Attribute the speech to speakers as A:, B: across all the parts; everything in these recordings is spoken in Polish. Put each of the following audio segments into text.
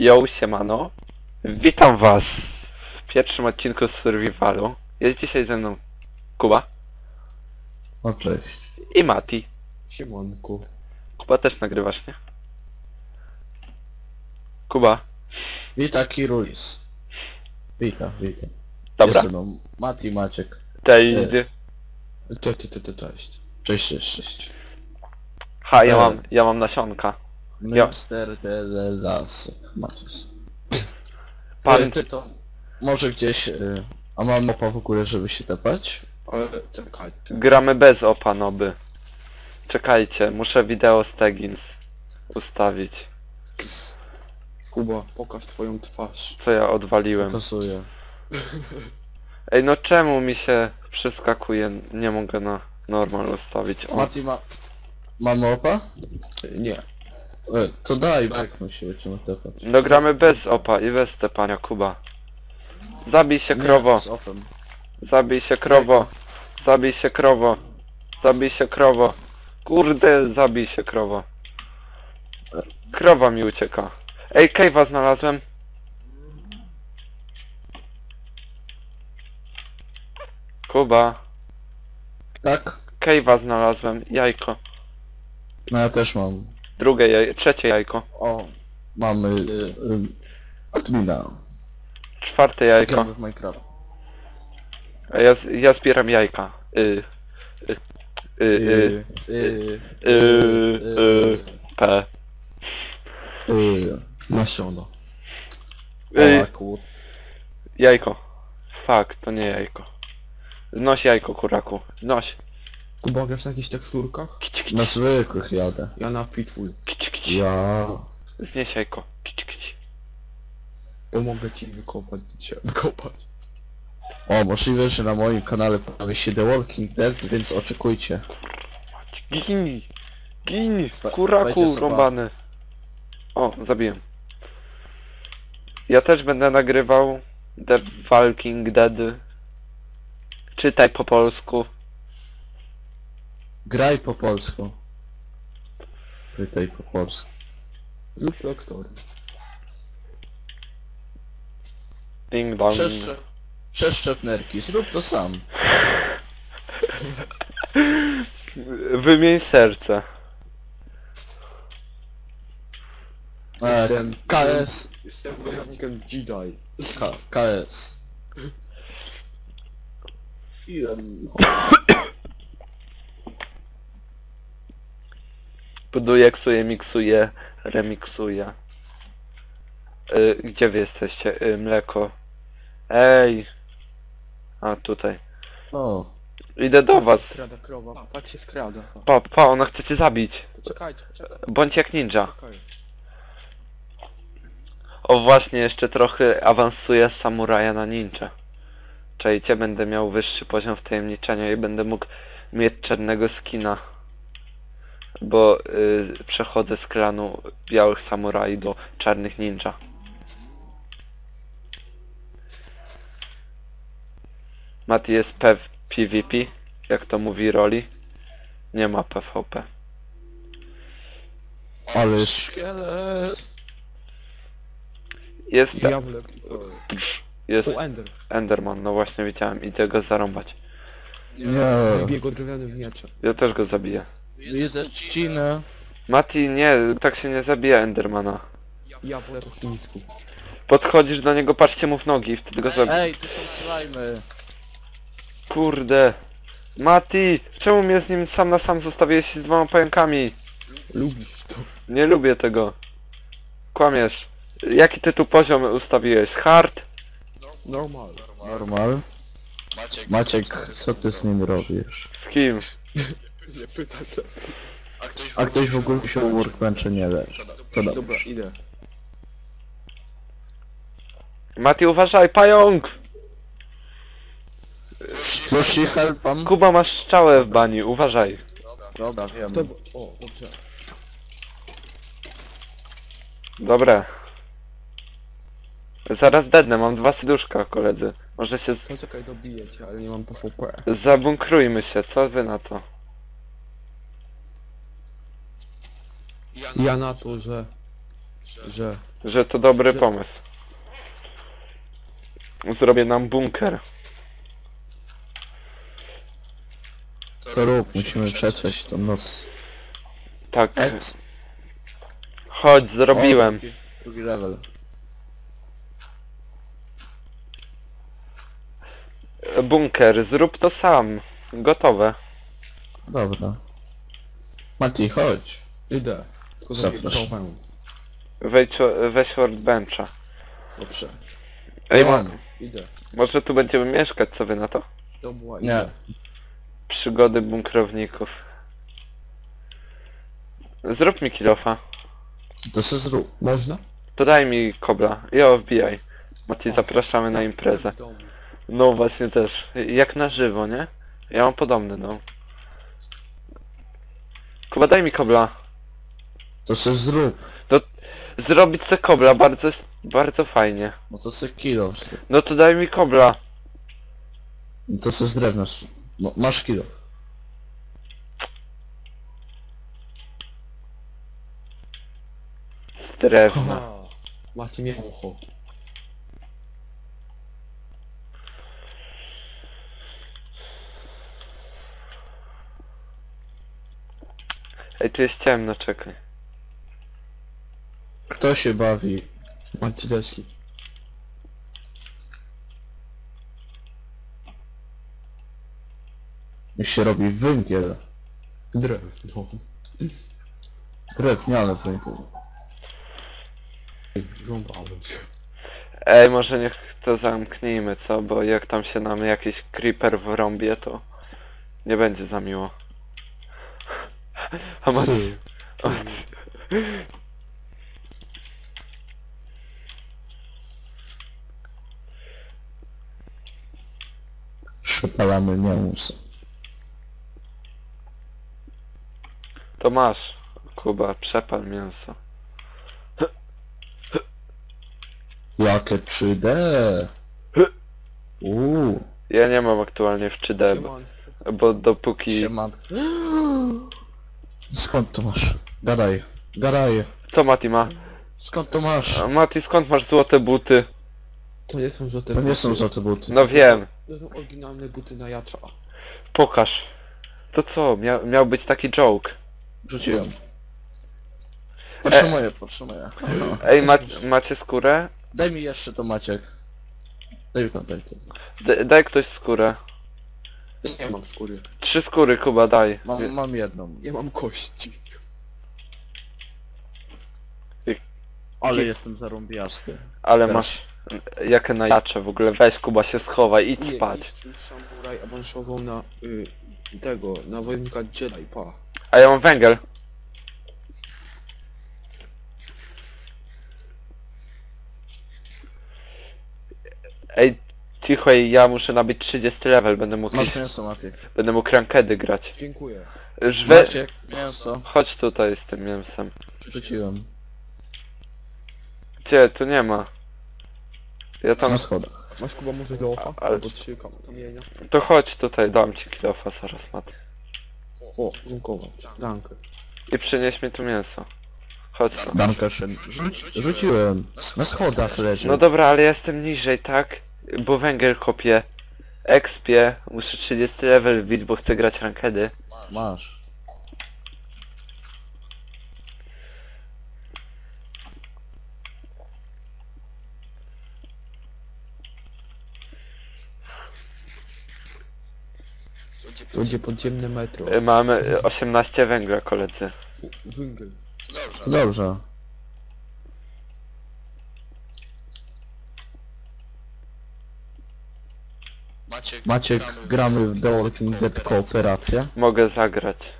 A: Yo, siemano. Witam was w pierwszym odcinku z Survivalu. Jest dzisiaj ze mną Kuba
B: O, cześć.
A: i Mati.
C: Siemanku.
A: Kuba też nagrywasz, nie? Kuba.
B: Witam Kirulis. Witam.
A: Dobra.
B: Jest ze mną Mati, Maciek.
A: Cześć.
C: Cześć.
B: Cześć.
A: Ha, ja mam nasionka.
B: Mister de las Macius.
A: Pan...
B: Ty to może gdzieś... a mam mapa w ogóle, żeby się tepać?
C: Ale czekajcie.
A: Gramy bez opanoby. Czekajcie, muszę wideo z Teggins ustawić.
C: Kuba, pokaż twoją twarz.
A: Co ja odwaliłem.
B: Pasuję.
A: Ej, no czemu mi się przeskakuje? Nie mogę na normal ustawić. O.
B: Mati ma mapa?
C: Nie.
B: To daj, jak my się będziemy tepać.
A: No gramy bez opa i bez tepania, Kuba. Zabij się, krowo.
B: Nie, z opem.
A: Zabij się, krowo. Zabij się, krowo. Zabij się, krowo. Kurde, zabij się, krowo. Krowa mi ucieka. Ej, cave'a znalazłem. Kuba.
B: Tak?
A: Cave'a znalazłem. Jajko.
B: No ja też mam.
A: Drugie jajko. Trzecie jajko.
B: O, mamy... admina.
A: Czwarte jajko.
B: Gramy w Minecraft.
A: A ja zbieram jajka. P.
C: Nasiona.
B: Kur...
A: Jajko. Fuck, to nie jajko. Znoś jajko, kuraku. Znoś.
C: Kuba, grasz na jakichś teksturkach?
A: Kić, kić,
B: Na zwykłych jadę.
C: Ja na Pitful.
A: kić, kić.
B: Ja...
A: Znieś jajko. Kić, kić.
C: Pomogę ci wykopać.
B: O, możliwe, że na moim kanale pojawi się The Walking Dead, więc oczekujcie.
A: Gin. Gin.
B: Wejdźcie
A: Kuraku
B: sobie.
A: rąbany. O, zabiłem. Ja też będę nagrywał The Walking Dead. Czytaj po polsku.
B: Graj po polsku. Pytaj po polsku.
C: Lub lektor.
A: Ding dong.
B: Przeszczep nerki, zrób to sam.
A: Wymień serce.
B: KS.
C: Jestem wojownikiem Jedi.
B: KS.
A: Buduję, ksuję, miksuję, remiksuję. Gdzie wy jesteście? Mleko. Ej. A, tutaj.
B: O,
A: Idę do was.
C: Skrada krowa. Tak się skrada.
A: Pa, ona chce cię zabić.
C: Czekajcie.
A: Bądź jak ninja.
C: Czekaj.
A: O właśnie, jeszcze trochę awansuję z samuraja na ninja. Czajcie, będę miał wyższy poziom wtajemniczenia i będę mógł mieć czarnego skina. Bo przechodzę z klanu białych samuraj do czarnych ninja. Mati jest PvP, jak to mówi Roli. Nie ma PvP.
B: ale
C: Szkielet.
A: Jest,
C: Diablek.
A: jest
C: O, Ender.
A: Enderman, no właśnie widziałem, idę go zarąbać.
B: nie.
C: Biegł drewniany w miecze.
A: Ja też go zabiję.
B: Widzę trzcinę.
A: Mati, nie, tak się nie zabija Endermana.
C: Ja po chińsku.
A: Podchodzisz do niego, patrzcie mu w nogi i wtedy go zabijesz.
B: Ej, tu są slajmy.
A: Kurde. Mati, czemu mnie z nim sam na sam zostawiłeś z dwoma pająkami?
C: Lubisz to.
A: Nie lubię tego. Kłamiesz. Jaki ty tu poziom ustawiłeś? Hard?
C: Normal.
B: Normal. Maciek, co ty z nim robisz?
A: Z kim?
C: Nie pytaj się.
B: A ktoś w ogóle się o workbenchu nie leży. To dobrze.
C: Dobra, idę.
A: Mati, uważaj, pająk!
B: Już ci helpam?
A: Kuba, masz strzałę w bani, uważaj.
B: Dobra, wiem.
C: To... O, dobrze.
A: Dobre. Zaraz dednę, mam 2 serduszka, koledzy. Może się...
C: Poczekaj, dobiję cię, ale nie mam PvP.
A: Zabunkrujmy się, co wy na to?
C: Ja na to, że
A: Że to dobry pomysł. Zrobię nam bunker.
B: To rób, musimy przetrwać tą noc.
A: Tak. Chodź, zrobiłem.
B: Drugi level.
A: Bunker, zrób to sam. Gotowe.
B: Dobra. Mati, chodź.
C: Idę. Tylko
B: Zapraszam.
C: zapraszam.
A: Weź workbencha.
C: Dobrze.
A: Ej,
B: Mam.
C: Idę.
A: może tu będziemy mieszkać, co wy na to?
C: Dobra,
B: Nie.
C: idę.
A: Przygody bunkrowników. Zrób mi kilofa.
B: To se zrób.
C: Można?
A: To daj mi kobla. Jo, wbijaj. Mati, zapraszamy na imprezę.
C: W domu.
A: No właśnie też. Jak na żywo, nie? Ja mam podobny dom. Kuba, daj mi kobla.
B: To se zrób.
A: Zrobić se kobla, bardzo fajnie.
B: No to se kilo zrób.
A: No to daj mi kobla.
B: No to se z drewna zrób. No, masz kilo.
A: Z drewna.
C: Aha. Macie nie ucho.
A: Ej, tu jest ciemno, czekaj.
B: Kto się bawi?
C: Macie deski.
B: Jak się robi węgiel.
C: Drewno.
B: Drewniany węgiel.
C: Rąbałem się.
A: Ej, może niech to zamknijmy, co? Bo jak tam się nam jakiś creeper wrąbie, to nie będzie za miło. A Mati...
B: Przepalamy mięso.
A: To masz, Kuba, przepal mięso.
B: Jakie 3D?
A: Ja nie mam aktualnie w 3D,
C: Sieman.
A: bo dopóki...
B: Siemanko. Skąd to masz? Gadaj. Gadaj.
A: Co Mati ma?
B: Skąd to masz?
A: A Mati, skąd masz złote buty?
C: To nie są złote
B: To nie
C: buty.
B: są za te buty.
A: No wiem,
C: To są oryginalne buty na jacza.
A: pokaż. To co? Miał być taki joke.
B: Rzuciłem. Potrzymuję, potrzymuję.
A: Ej, macie skórę?
B: Daj mi jeszcze to Maciek. Daj mi kontakty.
A: Daj ktoś skórę.
C: Nie mam skóry.
A: 3 skóry, Kuba, daj.
B: Mam jedną.
C: Nie mam kości.
B: Ale jestem zarąbiasty.
A: Ale
B: Teraz.
A: masz... Jakie najacze w ogóle. Weź, Kuba, się schowaj, idź
C: Nie,
A: spać.
C: niż samuraj awansował na tego, na wojownika Jedi, pa.
A: A ja mam węgiel. Ej, cicho, ja muszę nabyć 30 level,
B: Masz mięso, Maciek.
A: będę mógł rankedy grać.
C: Dziękuję.
A: Już
B: Maciek, mięso.
A: Chodź tutaj z tym mięsem.
B: Rzuciłem.
A: Gdzie? Tu nie ma. Ja tam...
B: Na schodach.
C: Masz Kuba może lofa?
A: Ale-
C: Albo 3 kamienia.
A: To chodź tutaj, dam ci kilofa zaraz, Maty.
C: O, dziękować. Dankę.
A: I przynieś mi tu mięso. Chodź tu.
B: Dankeschön. Rzuciłem. Na schodach leży.
A: No dobra, ale ja jestem niżej, tak? Bo węgiel kopię. Expię. Muszę 30 level wbić, bo chcę grać rankedy.
B: Masz.
C: To będzie podziemne metro.
A: Mamy 18 węgla, koledzy.
C: Węgiel.
B: Dobrze. Maciek, gramy w The Walking Dead kooperację.
A: Mogę zagrać.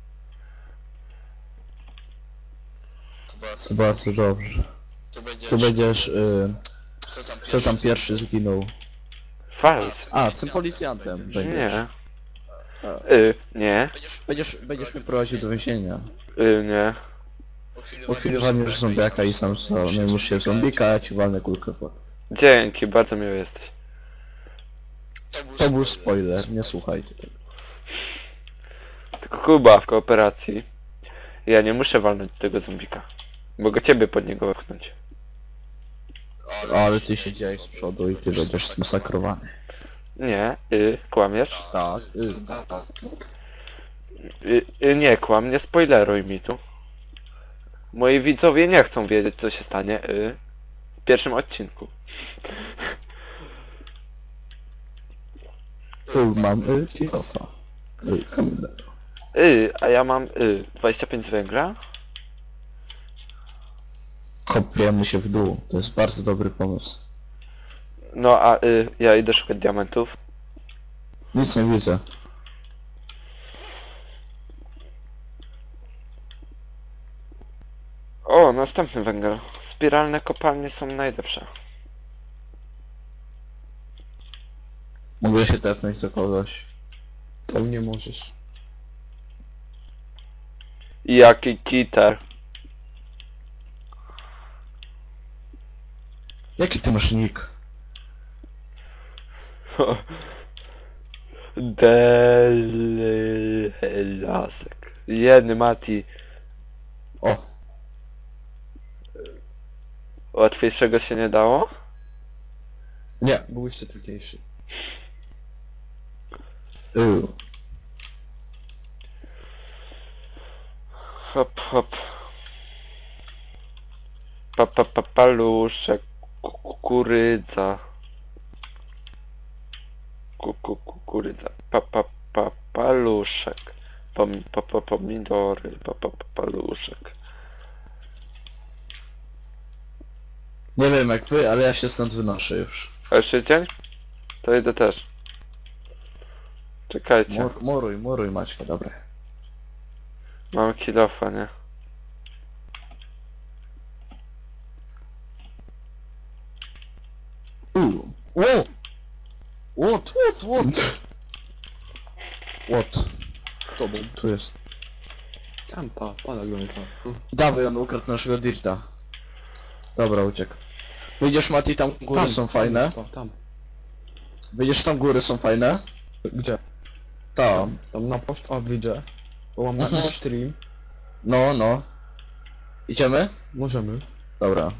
B: To bardzo dobrze. Tu będziesz... Kto tam pierwszy zginął?
A: Fals.
B: A, tym policjantem będziesz.
A: Nie. Nie.
B: Będziesz mnie prowadził do więzienia.
A: Nie.
B: Po chwili walniesz zombiaka i sam zajmiesz się zombika, a ja ci walnę kulkę w łeb.
A: Dzięki, bardzo miły jesteś.
B: To był spoiler, nie słuchajcie tego.
A: Tylko Kuba w kooperacji. Ja nie muszę walnąć tego zombika. Mogę ciebie pod niego wepchnąć.
B: Ale ty siedziałeś z przodu i ty będziesz zmasakrowany.
A: Nie, kłamiesz?
B: Tak.
A: Nie kłam, nie spoileruj mi tu. Moi widzowie nie chcą wiedzieć, co się stanie w pierwszym odcinku.
B: Tu mam kilofa. Kamilę.
A: A ja mam 25 z węgla.
B: Kopiemy się w dół. To jest bardzo dobry pomysł.
A: No a ja idę szukać diamentów.
B: Nic nie widzę.
A: O, następny węgiel. Spiralne kopalnie są najlepsze.
B: Mogę się tepnąć do kogoś.
C: Tam nie możesz.
A: Jaki cheater.
B: Jaki ty masz nick?
A: Delasek. Jedny Mati.
B: O!
A: Łatwiejszego się nie dało?
C: Nie, był jeszcze trudniejszy.
A: Hop, hop. Paluszek. Kukurydza. Kukurydza. Paluszek. Pomidory. Paluszek.
B: Nie wiem jak wy, ale ja się stąd wynoszę już.
A: A już jest dzień? To idę też. Czekajcie.
B: Moruj Maćka, dobra.
A: Mam kilofa, nie?
B: What? What?
C: Tobą.
B: Tu jest.
C: Tam, pana Gonka.
B: Dawaj, on ukradł naszego dirta. Dobra, uciekł. Wyjdziesz Mati, tam góry są fajne.
C: Tam.
B: Wyjdziesz tam góry są fajne.
C: Gdzie?
B: Tam.
C: Tam na post, a widzę. Bo mam na stream.
B: No. Idziemy?
C: Możemy.
B: Dobra.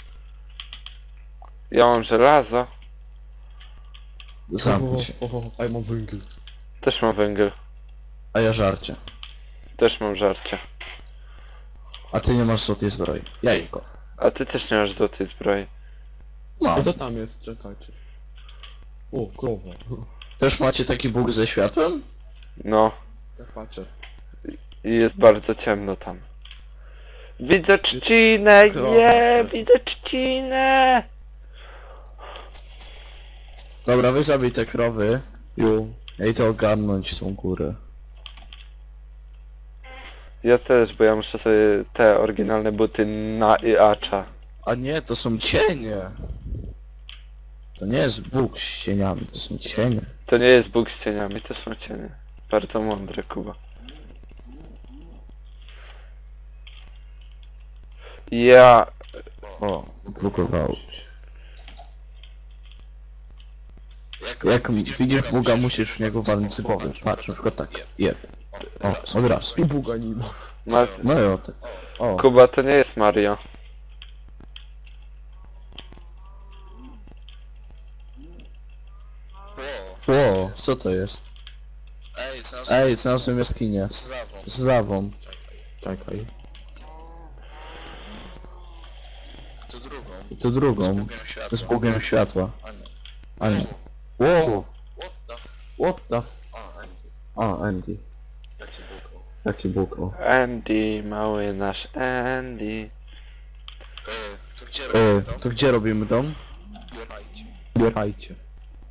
A: Ja mam żelazo.
B: Zamknij się.
C: A ja mam węgiel.
A: Też mam węgiel.
B: A ja żarcie.
A: Też mam żarcie.
B: A ty nie masz złotej zbroi. Jajko.
A: A ty też nie masz złotej zbroi.
C: A
B: Mam.
C: co tam jest? Czekajcie. O, krowa.
B: Też macie taki bóg ze światłem?
A: No.
C: Tak patrzę.
A: I jest bardzo ciemno tam. Widzę trzcinę! Widzę trzcinę!
B: Dobra, wy zabij te krowy. Ja idę ogarnąć tą górę.
A: Ja też, bo ja muszę sobie te oryginalne buty na Iacza.
B: A nie, to są cienie. To nie jest Bóg z cieniami, to są cienie.
A: To nie jest Bóg z cieniami, to są cienie. Bardzo mądry, Kuba. Ja...
B: O, blokowało się. Jak widzisz Boga, musisz w niego walnąć z głowy. Patrz, na przykład tak. Jeb. O, od razu.
C: I Buga nie ma.
B: No i o tak. O,
A: Kuba to nie jest Mario.
B: o, co to jest? Ej, znalazłem jaskinię. Z lawą.
C: Czekaj.
B: To drugą. Z Bogiem światła. A nie. Wow. What the f... A, Andy. Jaki Bóg, o.
A: Andy, mały nasz Andy.
B: To gdzie robimy dom?
C: Bierajcie.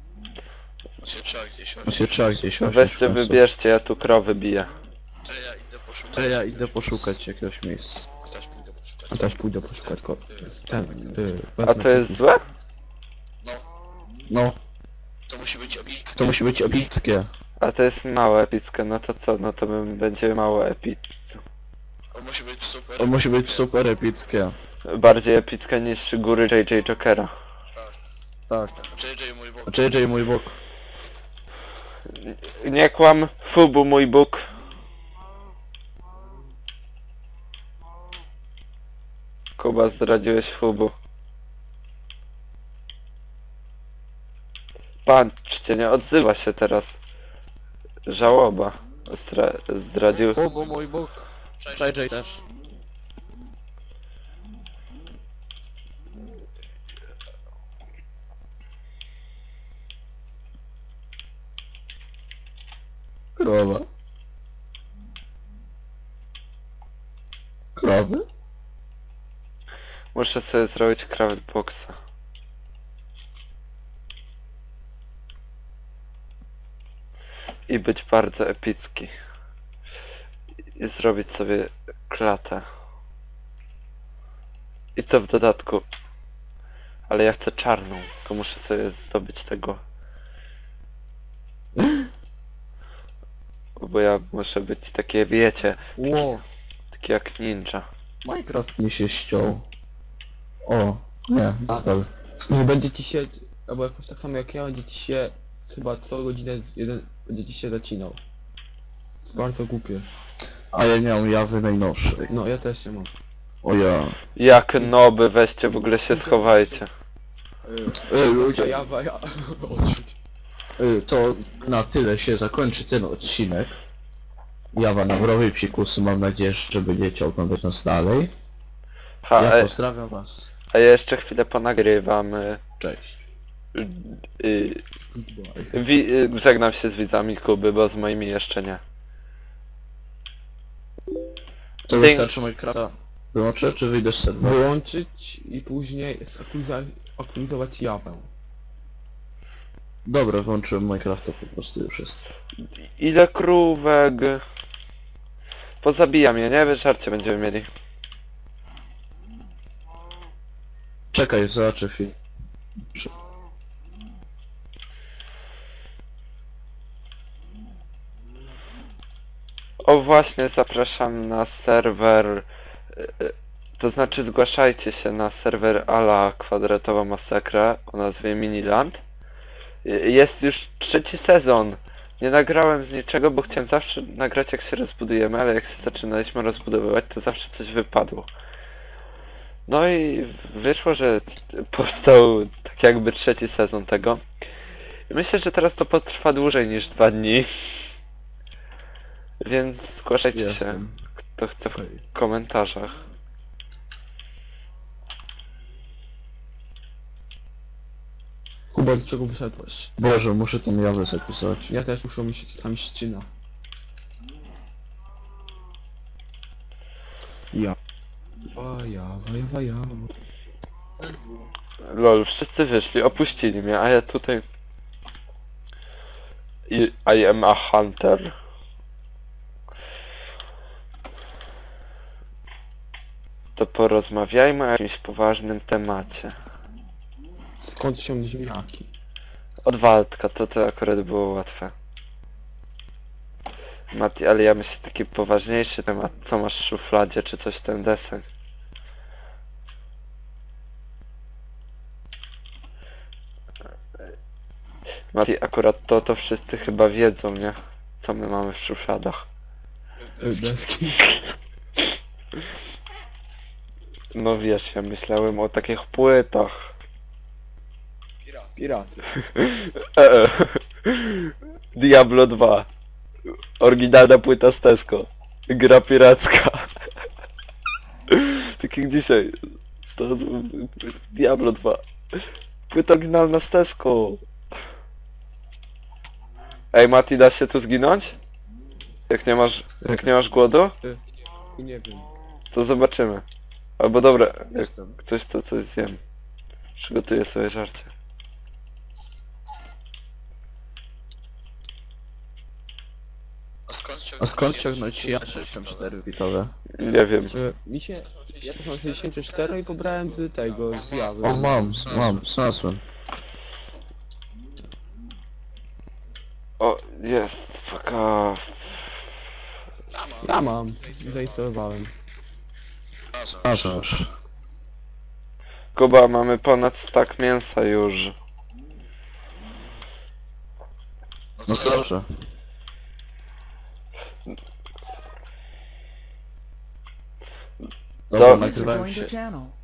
B: On się trzeba gdzieś osiąść
A: Weźcie,
B: w końcu.
A: wybierzcie, ja tu krowy biję.
B: To ja idę poszukać jakiegoś miejsca.
C: A też pójdę poszukać go. Ten.
A: A to jest złe?
B: No. To musi być epickie.
A: A to jest małe epickie, no to co? No to będzie mało epickie.
B: To musi być super epickie.
A: Bardziej epickie niż góry JJ Jokera.
B: Tak. JJ mój Bóg.
A: Nie kłam, Fubu mój Bóg. Kuba, zdradziłeś Fubu. Patrzcie, nie odzywa się teraz. Żałoba. Zdradził...
B: O, bo mój Bóg. JJ też. Krowa. Krowy?
A: Muszę sobie zrobić craftboxa. I być bardzo epicki. I zrobić sobie klatę. I to w dodatku. Ale ja chcę czarną. To muszę sobie zdobyć tego. Bo ja muszę być takie, wiecie,
B: Ło.
A: takie jak ninja.
B: Minecraft mi się ściął. O, nie, nadal.
C: Nie będzie ci się, albo jakoś tak samo jak ja, będzie ci się chyba co godzinę jeden będzie ci się zacinał. Jest bardzo głupie.
B: A ja nie mam jawy najnowszej.
C: No ja też nie mam.
B: O ja.
A: Jak noby, weźcie, w ogóle się schowajcie.
B: Ludzie,
C: Ja odrzuć.
B: to na tyle się zakończy ten odcinek. Jawa na wrowie psikusy, mam nadzieję, że będziecie oglądać nas dalej.
A: Ha,
B: Ja pozdrawiam was.
A: a jeszcze chwilę ponagrywam.
B: Cześć.
A: Żegnam się z widzami Kuby, bo z moimi jeszcze nie.
B: To
A: Ding.
B: wystarczy Minecrafta. Wyłączę, czy wyjdę z serwera?
C: Wyłączyć i później aktualizować jawę.
B: Dobra, włączyłem Minecrafta, po prostu już jest.
A: Ile krówek? Pozabijam je, nie? Żarcie będziemy mieli.
B: Czekaj, zobaczę film.
A: O właśnie, zapraszam na serwer, to znaczy zgłaszajcie się na serwer ala kwadratowa masakra o nazwie Miniland. Jest już 3. sezon. Nie nagrałem z niczego, bo chciałem zawsze nagrać jak się rozbudujemy, ale jak się zaczynaliśmy rozbudowywać, to zawsze coś wypadło. No i wyszło, że powstał tak jakby 3. sezon tego. I myślę, że teraz to potrwa dłużej niż 2 dni. Więc zgłaszajcie się,
B: Jestem.
A: kto chce w komentarzach.
C: Kuba, do czego wyszedłeś?
B: Boże, muszę tą jawę zapisać.
C: Ja też muszę mi się tam ścina. Ja. Jawa.
A: Lol, wszyscy wyszli, opuścili mnie, a ja tutaj... I am a hunter. To porozmawiajmy o jakimś poważnym temacie.
C: Skąd się ziemniaki?
A: Od Waldka, to akurat było łatwe. Mati, ale ja myślę taki poważniejszy temat. Co masz w szufladzie, czy coś ten deseń? Mati, akurat to wszyscy chyba wiedzą, nie? Co my mamy w szufladach.
C: Deski.
A: No wiesz, ja myślałem o takich płytach.
C: Piraty.
A: Diablo 2. Oryginalna płyta z Tesco. Gra piracka. Tak jak dzisiaj. Diablo 2. Płyta oryginalna z Tesco. Ej Mati, da się tu zginąć? Jak nie masz głodu?
C: Nie wiem.
A: To zobaczymy. Albo dobra, jak
B: Jestem.
A: coś to coś zjem. Przygotuję sobie żarcie.
B: A skąd ciągnąć ja 64 bitowe?
A: Nie wiem.
C: Mi się... Ja też mam 64 i pobrałem z tego, z jawy.
B: O, znalazłem.
A: O, jest, fuck off.
C: Ja mam. Zainstalowałem.
B: Aż.
A: Kuba, mamy ponad stack mięsa już.
B: No to dobrze. Dobra,
A: Do-
B: nagrywałem
D: Join
B: się.
D: the channel.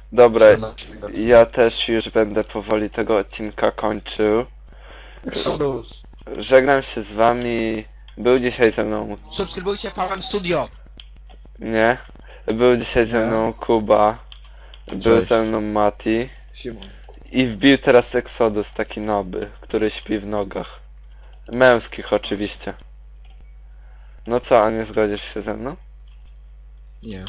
A: Dobra, ja też już będę powoli tego odcinka kończył.
B: Exodus.
A: Żegnam się z wami. Był dzisiaj ze mną...
D: Subskrybujcie Paweł Studio.
A: Nie? Był dzisiaj ze
B: Nie.
A: mną Kuba. Był
B: Cześć.
A: ze mną Mati.
C: Siemon.
A: I wbił teraz Exodus, taki noby, który śpi w nogach. Męskich oczywiście. No co, a nie zgodzisz się ze mną?
B: Nie.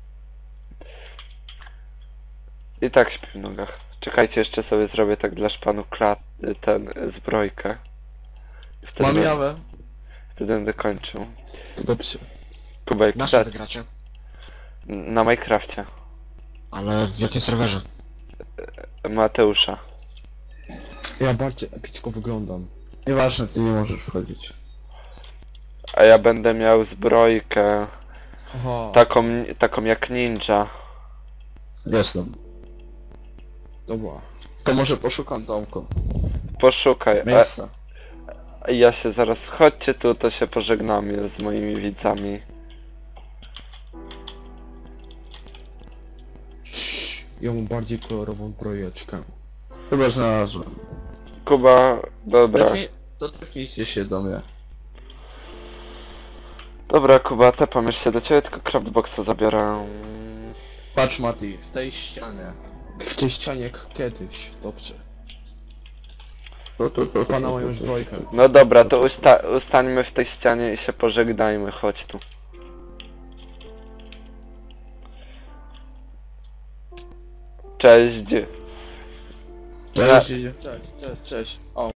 A: I tak śpi w nogach. Czekajcie, jeszcze sobie zrobię tak dla szpanu zbrojkę. I
B: Mam jawę.
A: wtedy będę kończył.
C: Dobrze.
A: Kubek,
D: Na czym wygracie?
A: na Minecrafcie.
D: Ale w jakim serwerze?
A: Mateusza.
C: Ja bardziej epicko wyglądam.
B: Nieważne, ty nie możesz wchodzić.
A: A ja będę miał zbrojkę.
C: Haha.
A: Taką jak ninja.
B: Jestem.
C: Dobra.
B: To może poszukam domku.
A: Poszukaj.
B: Miejsca.
A: A ja się zaraz... Chodźcie tu, to się pożegnamy z moimi widzami.
C: Ja mam bardziej kolorową brojeczkę.
B: Chyba znalazłem.
A: Kuba, dobra.
B: To tepnijcie się do mnie.
A: Dobra, Kuba, tepam jeszcze do ciebie, tylko craftboxa zabiorę.
B: Patrz Mati, w tej ścianie.
C: W tej ścianie jak kiedyś. Dobrze.
B: To
C: Pana moją zbrojkę.
A: No dobra, to ustańmy w tej ścianie i się pożegnajmy, chodź tu. Cześć.
B: Cześć.
C: Cześć, cześć, cześć. O.